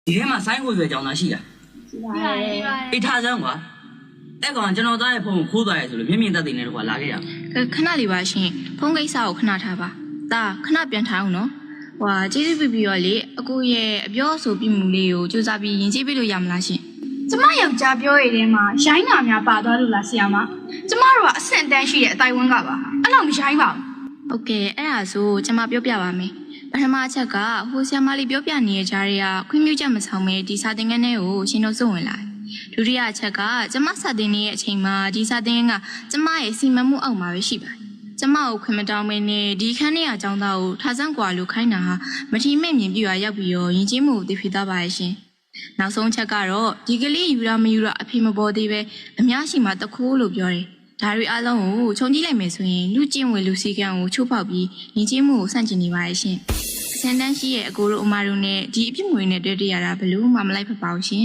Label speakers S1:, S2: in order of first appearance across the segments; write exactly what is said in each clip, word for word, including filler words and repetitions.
S1: ဒီထဲမှာဆိုင်းကိုရွယ်ကြောင်သာရှိတာအိတ်ထားစမ်းကွာအဲ့ကောင်ကျွန်တော်သားရဲ့ဖုန်းကိုခိုးသွားရဲဆိုလို့မြင့်မြင့်တက်တဲ့နေတော့ကွာလာခဲ့ရအောင်
S2: ခဏလေးပါရှင်ဖုန်းကိစ္စကိုခဏထားပါဒါခဏပြန်ထားအောင်နော်ဟွာကျေးဇူးပြုပြီးတော့လေအကိုရဲ့အပြောအဆိုပြမှုလေးကိုစူးစမ်းပြီးယဉ်ကျေးပေးလို့ရမလားရှင်
S3: ကျမယောက်ျားပြောရတဲ့မှာရိုင်းနာများပါသွားလို့လားဆရာမကျမတို့ကအဆင့်တန်းရှိတဲ့အတိုင်းဝန်းကပါအဲ့လောက်မရိုင်းပါဘူး
S2: ဟုတ်ကဲ့အဲ့ဒါဆိုကျွန်မပြောပြပါမယ်ပထမအချက်ကဟိုဆရာမလေးပြောပြနေတဲ့ကြားတွေကခွင့်ပြုချက်မဆောင်မဲဒီစာသင်ခန်းထဲကိုရှင်တို့စုဝင်လာဒုတိယအချက်ကကျွန်မစာသင်နေတဲ့အချိန်မှာဒီစာသင်ခန်းကကျွန်မရဲ့စီမံမှုအောက်မှာပဲရှိပါတယ်ကျမကိုခွင့်မတောင်းမင်းနဲ့ဒီခန်းထဲအကြောင်းသားကိုထားစမ်းကွာလို့ခိုင်းတာဟာမထီမဲ့မြင်ပြရရောက်ပြီးတော့ယဉ်ကျေးမှုကိုသိဖြစ်သွားပါရဲ့ရှင်နောက်ဆုံးချက်ကတော့ဒီကလေးယူရမယူရအဖေမပေါ်သေးပဲအများရှိမှတခိုးလို့ပြောတယ်ဒါတွေအလုံးကိုခြုံကြည့်လိုက်မယ်ဆိုရင်လူကျင့်ဝတ်လူစည်းကမ်းကိုချိုးဖောက်ပြီးယဉ်ကျေးမှုကိုဆန့်ကျင်နေပါရဲ့ရှင်အစံတန်းရှိရဲ့အကိုတို့အမတို့နဲ့ဒီအပြစ်ငွေနဲ့တွေ့တရတာဘလို့မှမလိုက်ဖက်ပါဘူးရှင်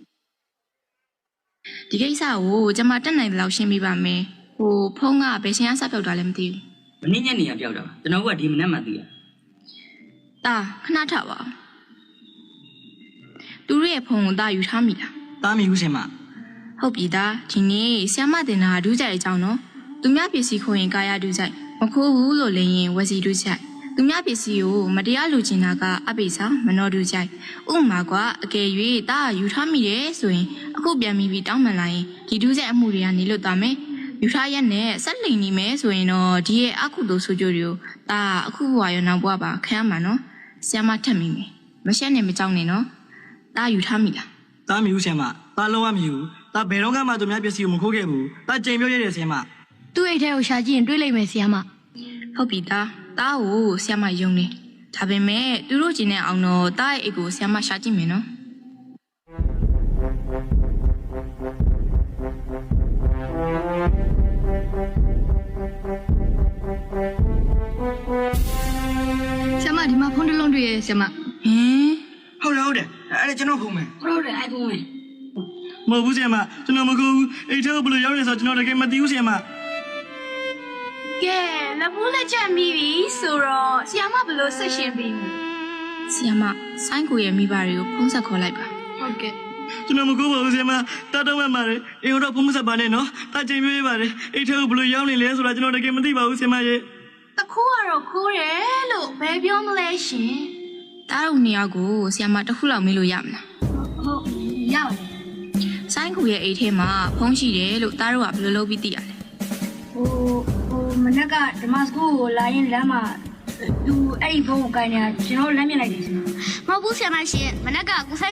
S2: ဒီကိစ္စကိုကျွန်မတက်နိုင်တယ်လို့ရှင်းပြပါမယ်ဟိုဖုန်းကဘယ်ရှင်ကစပြောက်တာလဲမသိဘူး
S1: မင်းညက်နေရပြောက်တာကျွန်တော်ကဒီမနေ့မှသိရ
S2: တာခဏထားပါသူတို့ရဲ့ဖုန်းကိုတာယူထားမိလား
S4: တားမိဦးရှင်မ
S2: ဟုတ်ပြီသားဒီနေ့ဆ iam မတင်တာဒူးကြိုက်အကြောင်းနော်သူများပစ္စည်းခိုးရင်ကာယဒူးကြိုက်မခိုးဘူးလို့လည်းရင်ဝစီဒူးကြိုက်သူများပစ္စည်းကိုမတရားလူချင်တာကအပိစာမနှောဒူးကြိုက်ဥပမာကအကယ်၍တာယူထားမိတယ်ဆိုရင်အခုပြန်ပြီးပြီးတောင်းပန်လာရင်ဒီဒူးကြိုက်အမှုတွေကနေလွတ်သွားမယ်ယူထားရက်နဲ့ဆက်လိန်နေမယ်ဆိုရင်တော့ဒီရဲ့အခုတို့ဆိုကြတွေကိုတာအခုဘွာရောနောက်ဘွာပါခံရမှာနော်ဆ iam မထက်မိမယ်မရှက်နဲ့မကြောက်နဲ့နော်တာယူထားမိလား
S4: တားမိဦးရှင်မတားလုံးဝမယူတားဘယ်တော့မှသူများပစ္စည်းကိုမခိုးခဲ့ဘူးတားကြိမ်ပြောရတဲ့ရှင်မ
S3: သူ့အိတ်ထဲကိုရှာကြည့်ရင်တွေးလိုက်မယ်ဆရာမ
S2: ဟုတ်ပြီသားတားကိုဆ iam မယုံနေဒါပေမဲ့သူတို့ကျင်တဲ့အောင်တော့တားရဲ့အိတ်ကိုဆ iam မရှာကြည့်မယ်နော်
S3: ဆရာမဒီမှာဖုန်းတစ်လုံးတွေ့ရဲ့ဆရာမ
S2: ဟင်
S4: ဟုတ်တယ်ဟုတ်တယ်အဲ့ဒါကျွန်တော်ဖုန်းမယ်
S1: ဟုတ်တယ်အိုက်ဖုန်းပဲ
S4: မဟုတ်ဘူးရှင်မကျွန်တော်မခိုးဘူးအိတ်ထဲကိုဘယ်လိုရောက်နေဆိုကျွန်တော်တကယ်မသိဘူးရှင်မ
S3: ကဲလက်ဘူးလက်ချက်မိပြီဆိုတော့ဆရာမဘယ်လိုဆက်ရှင်ပြီးမလဲ
S2: ဆ iam မဆိုင်းကိုရဲ့မိဘတွေကိုဖုန်းဆက်ခေါ်လိုက်ပါ
S3: ဟုတ်ကဲ့
S4: ကျွန်တော်မခိုးပါဘူးရှင်မတားတော့မှပါတယ်အိမ်တော့ဖုန်းမဆက်ပါနဲ့နော်တားကြိမ်ပြောရပါတယ်အိတ်ထဲကိုဘယ်လိုရောက်နေလဲဆိုတာကျွန်တော်တကယ်မသိပါဘူးရှင်မရဲ့
S3: တခိုးကတော့ခိုးတယ်လို့ဘယ်ပြောမလဲရှင်
S2: တားတို့နှစ်ယောက်ကိုဆ iam မတစ်ခုလောက်မေးလို့ရမလား
S3: ဟုတ်ရပါတယ်
S2: ဆိုင်းကိုရဲ့အိတ်ထဲမှာဖုန်းရှိတယ်လို့တားတို့ကဘယ်လိုလုပ်ပြီးသိရလဲ
S3: ဟိုဟိုမနက်ကဓမ္မစကူကိုလာရင်လမ်းမှာသူအဲ့ဒီဖုန်းကိုကိုင်နေတာကျွန်တော်လမ်းမြင်လိုက်တယ်ရှင်မဟုတ်ဘူးဆရာမရှင်မနက်ကကို